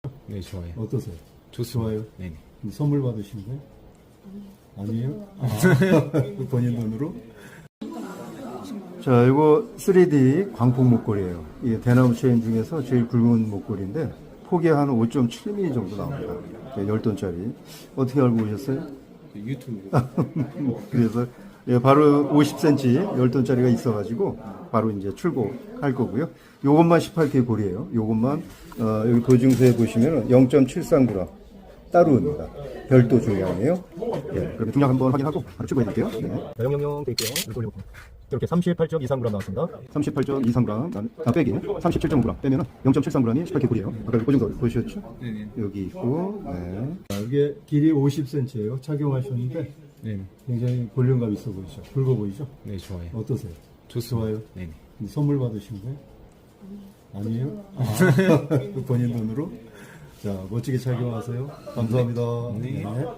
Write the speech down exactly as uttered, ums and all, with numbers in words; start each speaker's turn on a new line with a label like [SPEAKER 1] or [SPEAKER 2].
[SPEAKER 1] 네, 좋아요.
[SPEAKER 2] 어떠세요?
[SPEAKER 1] 좋습니다.
[SPEAKER 2] 좋아요?
[SPEAKER 1] 네네.
[SPEAKER 2] 선물 받으신 거예요? 아니에요? 아, 본인 돈으로? 자, 이거 쓰리디 광폭 목걸이에요. 이게 대나무 체인 중에서 제일 굵은 목걸이인데 폭이 한 오 점 칠 밀리미터 정도 나옵니다. 열 돈짜리. 어떻게 알고 오셨어요?
[SPEAKER 1] 유튜브.
[SPEAKER 2] 그래서 예, 바로 오십 센티미터 열 돈짜리가 있어가지고 바로 이제 출고할 거고요. 요것만 십팔 케이 골이에요. 요것만 어, 여기 보증서에 보시면 영 점 칠삼 그램 따로입니다. 별도 중량이에요. 예, 그럼 중량 한번 확인하고 바로 출고해 드릴게요. 네.
[SPEAKER 3] 영영영 드릴게요. 이렇게 올려볼게요. 이렇게 삼십팔 점 이삼 그램 나왔습니다.
[SPEAKER 2] 삼십팔 점 이삼 그램 아, 빼기 삼십칠 점 구 그램 빼면 영 점 칠삼 그램이 십팔 케이 골이에요. 아까 보증서 보셨죠?
[SPEAKER 1] 네네.
[SPEAKER 2] 여기 있고 네. 아, 이게 길이 오십 센티미터예요. 착용하셨는데
[SPEAKER 1] 네네.
[SPEAKER 2] 굉장히 볼륨감 있어 보이죠? 굵어 보이죠?
[SPEAKER 1] 네, 좋아요.
[SPEAKER 2] 어떠세요?
[SPEAKER 1] 좋습니다.
[SPEAKER 2] 좋아요?
[SPEAKER 1] 네네.
[SPEAKER 2] 선물 받으신 거예요? 아니에요? 아, 본인 돈으로? 자, 멋지게 착용하세요. 감사합니다.
[SPEAKER 1] 네.
[SPEAKER 2] 네.